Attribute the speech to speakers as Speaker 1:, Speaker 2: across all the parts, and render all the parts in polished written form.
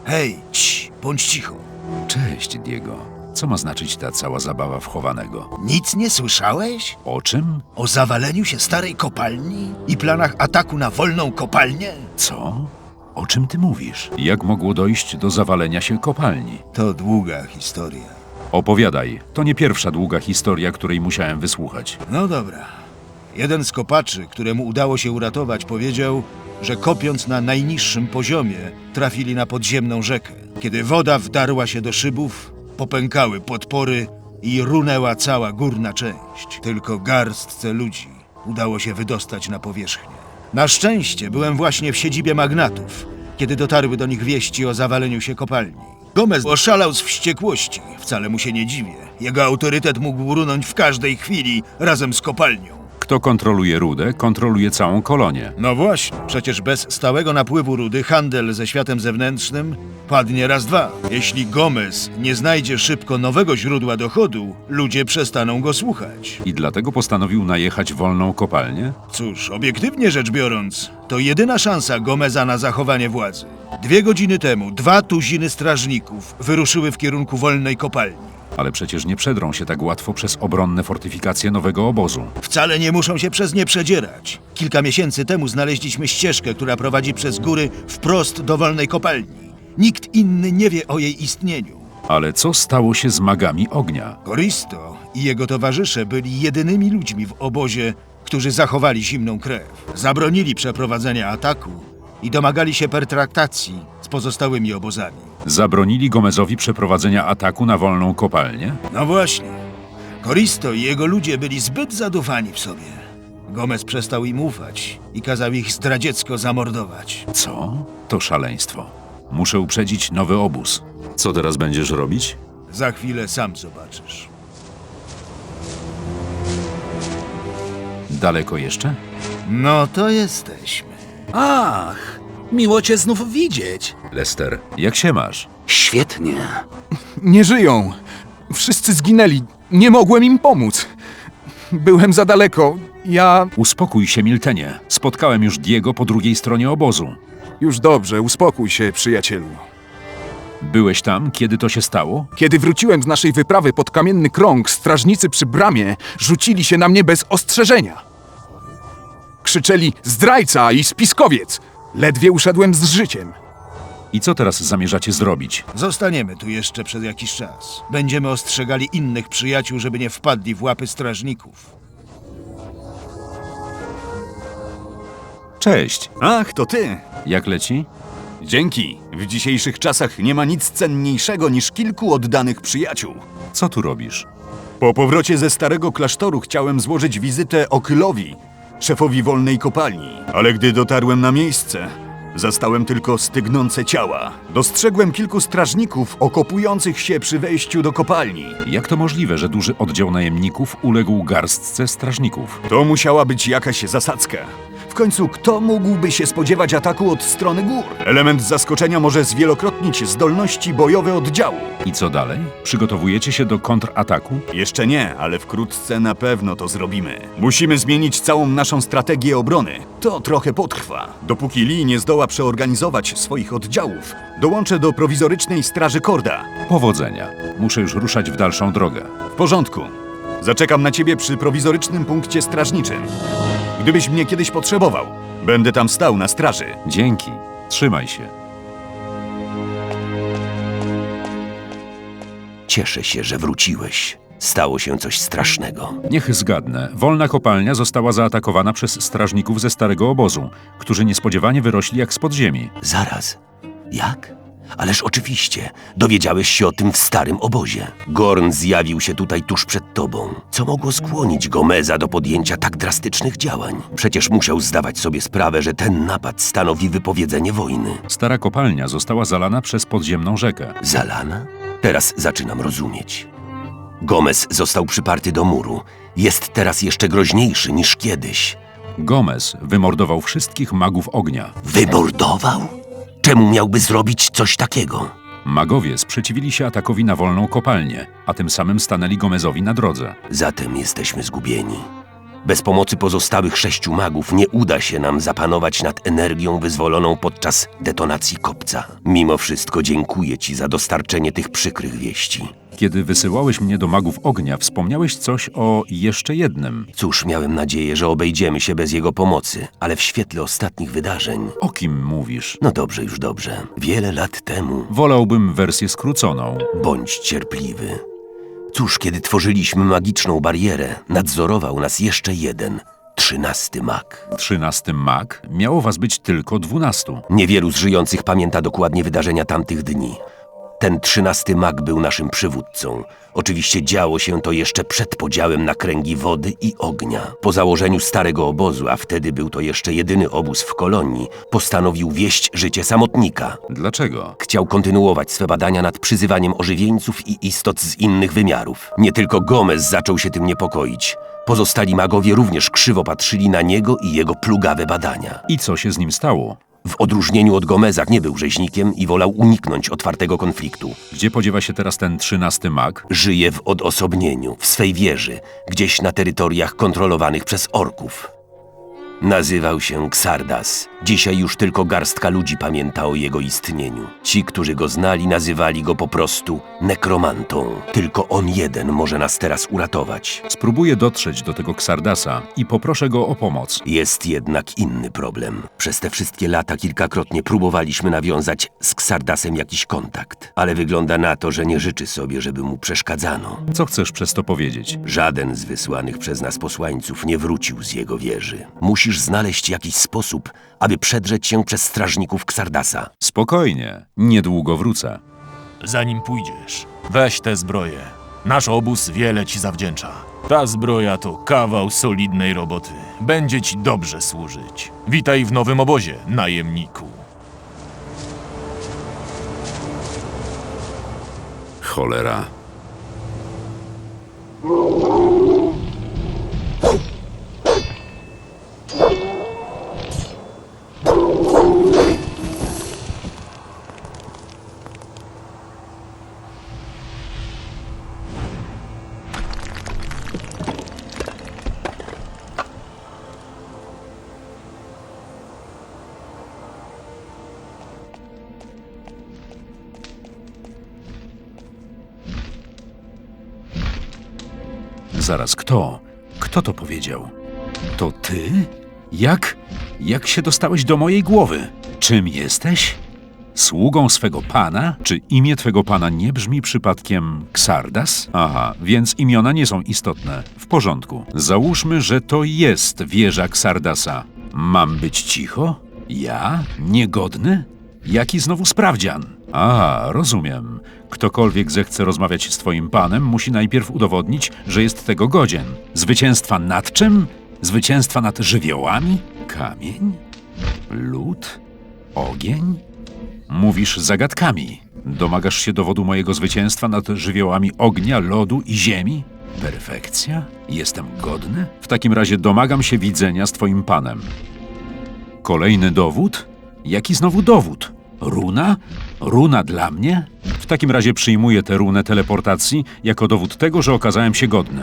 Speaker 1: Hej, bądź cicho.
Speaker 2: Cześć, Diego. Co ma znaczyć ta cała zabawa w chowanego?
Speaker 1: Nic nie słyszałeś?
Speaker 2: O czym?
Speaker 1: O zawaleniu się starej kopalni i planach ataku na wolną kopalnię?
Speaker 2: Co? O czym ty mówisz? Jak mogło dojść do zawalenia się kopalni?
Speaker 1: To długa historia.
Speaker 2: Opowiadaj. To nie pierwsza długa historia, której musiałem wysłuchać.
Speaker 1: No dobra. Jeden z kopaczy, któremu udało się uratować, powiedział, że kopiąc na najniższym poziomie, trafili na podziemną rzekę. Kiedy woda wdarła się do szybów, popękały podpory i runęła cała górna część. Tylko garstce ludzi udało się wydostać na powierzchnię. Na szczęście byłem właśnie w siedzibie magnatów, kiedy dotarły do nich wieści o zawaleniu się kopalni. Gomez oszalał z wściekłości. Wcale mu się nie dziwię. Jego autorytet mógł runąć w każdej chwili razem z kopalnią.
Speaker 2: Kto kontroluje rudę, kontroluje całą kolonię.
Speaker 1: No właśnie, przecież bez stałego napływu rudy handel ze światem zewnętrznym padnie raz dwa. Jeśli Gomez nie znajdzie szybko nowego źródła dochodu, ludzie przestaną go słuchać.
Speaker 2: I dlatego postanowił najechać wolną kopalnię?
Speaker 1: Cóż, obiektywnie rzecz biorąc, to jedyna szansa Gomeza na zachowanie władzy. 2 godziny temu 2 tuziny strażników wyruszyły w kierunku wolnej kopalni.
Speaker 2: Ale przecież nie przedrą się tak łatwo przez obronne fortyfikacje nowego obozu.
Speaker 1: Wcale nie muszą się przez nie przedzierać. Kilka miesięcy temu znaleźliśmy ścieżkę, która prowadzi przez góry wprost do wolnej kopalni. Nikt inny nie wie o jej istnieniu.
Speaker 2: Ale co stało się z magami ognia?
Speaker 1: Koristo i jego towarzysze byli jedynymi ludźmi w obozie, którzy zachowali zimną krew. Zabronili przeprowadzenia ataku i domagali się pertraktacji z pozostałymi obozami.
Speaker 2: Zabronili Gomezowi przeprowadzenia ataku na wolną kopalnię?
Speaker 1: No właśnie. Koristo i jego ludzie byli zbyt zadufani w sobie. Gomez przestał im ufać i kazał ich zdradziecko zamordować.
Speaker 2: Co? To szaleństwo. Muszę uprzedzić nowy obóz. Co teraz będziesz robić?
Speaker 1: Za chwilę sam zobaczysz.
Speaker 2: Daleko jeszcze?
Speaker 1: No to jesteśmy.
Speaker 3: Ach, miło cię znów widzieć.
Speaker 2: Lester, jak się masz?
Speaker 3: Świetnie.
Speaker 4: Nie żyją. Wszyscy zginęli. Nie mogłem im pomóc. Byłem za daleko.
Speaker 2: Uspokój się, Miltenie. Spotkałem już Diego po drugiej stronie obozu.
Speaker 4: Już dobrze, uspokój się, przyjacielu.
Speaker 2: Byłeś tam, kiedy to się stało?
Speaker 4: Kiedy wróciłem z naszej wyprawy pod Kamienny Krąg, strażnicy przy bramie rzucili się na mnie bez ostrzeżenia. Krzyczeli zdrajca i spiskowiec. Ledwie uszedłem z życiem.
Speaker 2: I co teraz zamierzacie zrobić?
Speaker 1: Zostaniemy tu jeszcze przez jakiś czas. Będziemy ostrzegali innych przyjaciół, żeby nie wpadli w łapy strażników.
Speaker 2: Cześć.
Speaker 5: Ach, to ty!
Speaker 2: Jak leci?
Speaker 5: Dzięki! W dzisiejszych czasach nie ma nic cenniejszego niż kilku oddanych przyjaciół.
Speaker 2: Co tu robisz?
Speaker 5: Po powrocie ze starego klasztoru chciałem złożyć wizytę Okylowi, szefowi wolnej kopalni. Ale gdy dotarłem na miejsce, zastałem tylko stygnące ciała. Dostrzegłem kilku strażników okopujących się przy wejściu do kopalni.
Speaker 2: Jak to możliwe, że duży oddział najemników uległ garstce strażników?
Speaker 5: To musiała być jakaś zasadzka. W końcu kto mógłby się spodziewać ataku od strony gór? Element zaskoczenia może zwielokrotnić zdolności bojowe oddziału.
Speaker 2: I co dalej? Przygotowujecie się do kontrataku?
Speaker 5: Jeszcze nie, ale wkrótce na pewno to zrobimy. Musimy zmienić całą naszą strategię obrony. To trochę potrwa. Dopóki Lee nie zdoła przeorganizować swoich oddziałów, dołączę do prowizorycznej straży Korda.
Speaker 2: Powodzenia. Muszę już ruszać w dalszą drogę.
Speaker 5: W porządku. Zaczekam na ciebie przy prowizorycznym punkcie strażniczym. Gdybyś mnie kiedyś potrzebował, będę tam stał na straży.
Speaker 2: Dzięki. Trzymaj się.
Speaker 3: Cieszę się, że wróciłeś. Stało się coś strasznego.
Speaker 2: Niech zgadnę. Wolna kopalnia została zaatakowana przez strażników ze starego obozu, którzy niespodziewanie wyrośli jak z podziemi.
Speaker 3: Zaraz. Jak? Ależ oczywiście. Dowiedziałeś się o tym w starym obozie. Gorn zjawił się tutaj tuż przed tobą. Co mogło skłonić Gomeza do podjęcia tak drastycznych działań? Przecież musiał zdawać sobie sprawę, że ten napad stanowi wypowiedzenie wojny.
Speaker 2: Stara kopalnia została zalana przez podziemną rzekę.
Speaker 3: Zalana? Teraz zaczynam rozumieć. Gomez został przyparty do muru. Jest teraz jeszcze groźniejszy niż kiedyś.
Speaker 2: Gomez wymordował wszystkich magów ognia.
Speaker 3: Wymordował? Czemu miałby zrobić coś takiego?
Speaker 2: Magowie sprzeciwili się atakowi na wolną kopalnię, a tym samym stanęli Gomezowi na drodze.
Speaker 3: Zatem jesteśmy zgubieni. Bez pomocy pozostałych 6 magów nie uda się nam zapanować nad energią wyzwoloną podczas detonacji kopca. Mimo wszystko dziękuję ci za dostarczenie tych przykrych wieści.
Speaker 2: Kiedy wysyłałeś mnie do magów ognia, wspomniałeś coś o jeszcze jednym.
Speaker 3: Cóż, miałem nadzieję, że obejdziemy się bez jego pomocy, ale w świetle ostatnich wydarzeń...
Speaker 2: O kim mówisz?
Speaker 3: No dobrze, już dobrze. Wiele lat temu...
Speaker 2: Wolałbym wersję skróconą.
Speaker 3: Bądź cierpliwy. Cóż, kiedy tworzyliśmy magiczną barierę, nadzorował nas jeszcze jeden, 13 mag.
Speaker 2: 13 mag? Miało was być tylko 12.
Speaker 3: Niewielu z żyjących pamięta dokładnie wydarzenia tamtych dni. Ten 13 mag był naszym przywódcą. Oczywiście działo się to jeszcze przed podziałem na kręgi wody i ognia. Po założeniu starego obozu, a wtedy był to jeszcze jedyny obóz w kolonii, postanowił wieść życie samotnika.
Speaker 2: Dlaczego?
Speaker 3: Chciał kontynuować swe badania nad przyzywaniem ożywieńców i istot z innych wymiarów. Nie tylko Gomez zaczął się tym niepokoić. Pozostali magowie również krzywo patrzyli na niego i jego plugawe badania.
Speaker 2: I co się z nim stało?
Speaker 3: W odróżnieniu od Gomeza nie był rzeźnikiem i wolał uniknąć otwartego konfliktu.
Speaker 2: Gdzie podziewa się teraz ten 13 mag?
Speaker 3: Żyje w odosobnieniu, w swej wieży, gdzieś na terytoriach kontrolowanych przez orków. Nazywał się Xardas. Dzisiaj już tylko garstka ludzi pamięta o jego istnieniu. Ci, którzy go znali, nazywali go po prostu nekromantą. Tylko on jeden może nas teraz uratować.
Speaker 2: Spróbuję dotrzeć do tego Xardasa i poproszę go o pomoc.
Speaker 3: Jest jednak inny problem. Przez te wszystkie lata kilkakrotnie próbowaliśmy nawiązać z Xardasem jakiś kontakt, ale wygląda na to, że nie życzy sobie, żeby mu przeszkadzano.
Speaker 2: Co chcesz przez to powiedzieć?
Speaker 3: Żaden z wysłanych przez nas posłańców nie wrócił z jego wieży. Musisz znaleźć jakiś sposób, aby przedrzeć się przez strażników Xardasa.
Speaker 2: Spokojnie, niedługo wrócę.
Speaker 6: Zanim pójdziesz, weź tę zbroję. Nasz obóz wiele ci zawdzięcza. Ta zbroja to kawał solidnej roboty. Będzie ci dobrze służyć. Witaj w nowym obozie, najemniku.
Speaker 2: Cholera. Zaraz, kto? Kto to powiedział? To ty? Jak się dostałeś do mojej głowy? Czym jesteś? Sługą swego pana? Czy imię twego pana nie brzmi przypadkiem Xardas? Aha, więc imiona nie są istotne. W porządku. Załóżmy, że to jest wieża Xardasa. Mam być cicho? Ja? Niegodny? Jaki znowu sprawdzian? A, rozumiem. Ktokolwiek zechce rozmawiać z twoim panem, musi najpierw udowodnić, że jest tego godzien. Zwycięstwa nad czym? Zwycięstwa nad żywiołami? Kamień? Lód? Ogień? Mówisz zagadkami. Domagasz się dowodu mojego zwycięstwa nad żywiołami ognia, lodu i ziemi? Perfekcja? Jestem godny? W takim razie domagam się widzenia z twoim panem. Kolejny dowód? Jaki znowu dowód? Runa? Runa dla mnie? W takim razie przyjmuję tę runę teleportacji jako dowód tego, że okazałem się godny.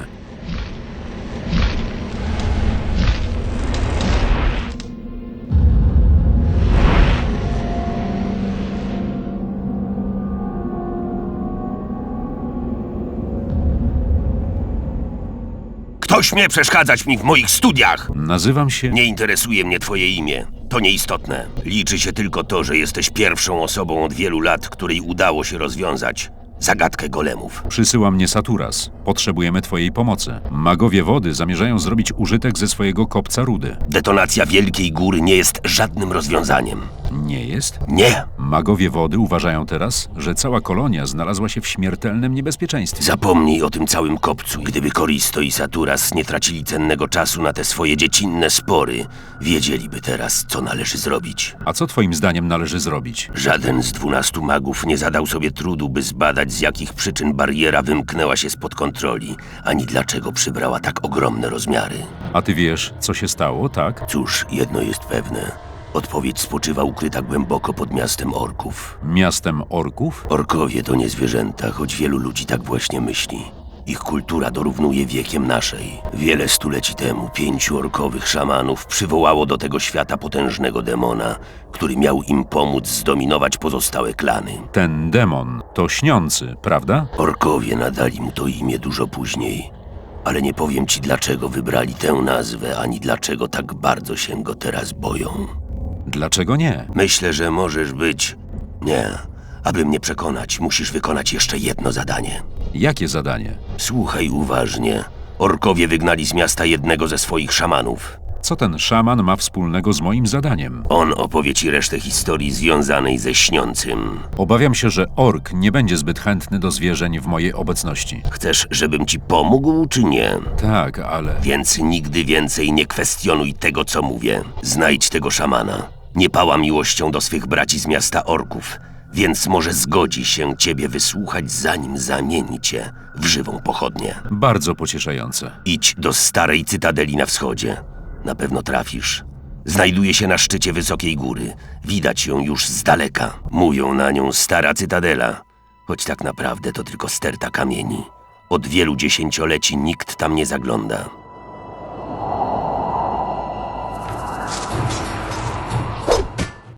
Speaker 3: Kto śmie przeszkadzać mi w moich studiach?
Speaker 2: Nazywam się...
Speaker 3: Nie interesuje mnie twoje imię. To nieistotne. Liczy się tylko to, że jesteś pierwszą osobą od wielu lat, której udało się rozwiązać zagadkę golemów.
Speaker 2: Przysyła mnie Saturas. Potrzebujemy twojej pomocy. Magowie wody zamierzają zrobić użytek ze swojego kopca rudy.
Speaker 3: Detonacja Wielkiej Góry nie jest żadnym rozwiązaniem.
Speaker 2: Nie jest?
Speaker 3: Nie!
Speaker 2: Magowie wody uważają teraz, że cała kolonia znalazła się w śmiertelnym niebezpieczeństwie.
Speaker 3: Zapomnij o tym całym kopcu. Gdyby Koristo i Saturas nie tracili cennego czasu na te swoje dziecinne spory, wiedzieliby teraz, co należy zrobić.
Speaker 2: A co twoim zdaniem należy zrobić?
Speaker 3: Żaden z 12 magów nie zadał sobie trudu, by zbadać, z jakich przyczyn bariera wymknęła się spod kontroli, ani dlaczego przybrała tak ogromne rozmiary.
Speaker 2: A ty wiesz, co się stało, tak?
Speaker 3: Cóż, jedno jest pewne. Odpowiedź spoczywa ukryta głęboko pod miastem orków.
Speaker 2: Miastem orków?
Speaker 3: Orkowie to nie zwierzęta, choć wielu ludzi tak właśnie myśli. Ich kultura dorównuje wiekiem naszej. Wiele stuleci temu 5 orkowych szamanów przywołało do tego świata potężnego demona, który miał im pomóc zdominować pozostałe klany.
Speaker 2: Ten demon to śniący, prawda?
Speaker 3: Orkowie nadali mu to imię dużo później, ale nie powiem ci, dlaczego wybrali tę nazwę, ani dlaczego tak bardzo się go teraz boją.
Speaker 2: Dlaczego nie?
Speaker 3: Myślę, że możesz być... Nie. Aby mnie przekonać, musisz wykonać jeszcze jedno zadanie.
Speaker 2: Jakie zadanie?
Speaker 3: Słuchaj uważnie. Orkowie wygnali z miasta jednego ze swoich szamanów.
Speaker 2: Co ten szaman ma wspólnego z moim zadaniem?
Speaker 3: On opowie ci resztę historii związanej ze śniącym.
Speaker 2: Obawiam się, że ork nie będzie zbyt chętny do zwierzeń w mojej obecności.
Speaker 3: Chcesz, żebym ci pomógł, czy nie?
Speaker 2: Tak, ale...
Speaker 3: Więc nigdy więcej nie kwestionuj tego, co mówię. Znajdź tego szamana. Nie pała miłością do swych braci z miasta orków, więc może zgodzi się ciebie wysłuchać, zanim zamieni cię w żywą pochodnię.
Speaker 2: Bardzo pocieszające.
Speaker 3: Idź do starej cytadeli na wschodzie. Na pewno trafisz. Znajduje się na szczycie wysokiej góry. Widać ją już z daleka. Mówią na nią stara cytadela, choć tak naprawdę to tylko sterta kamieni. Od wielu dziesięcioleci nikt tam nie zagląda.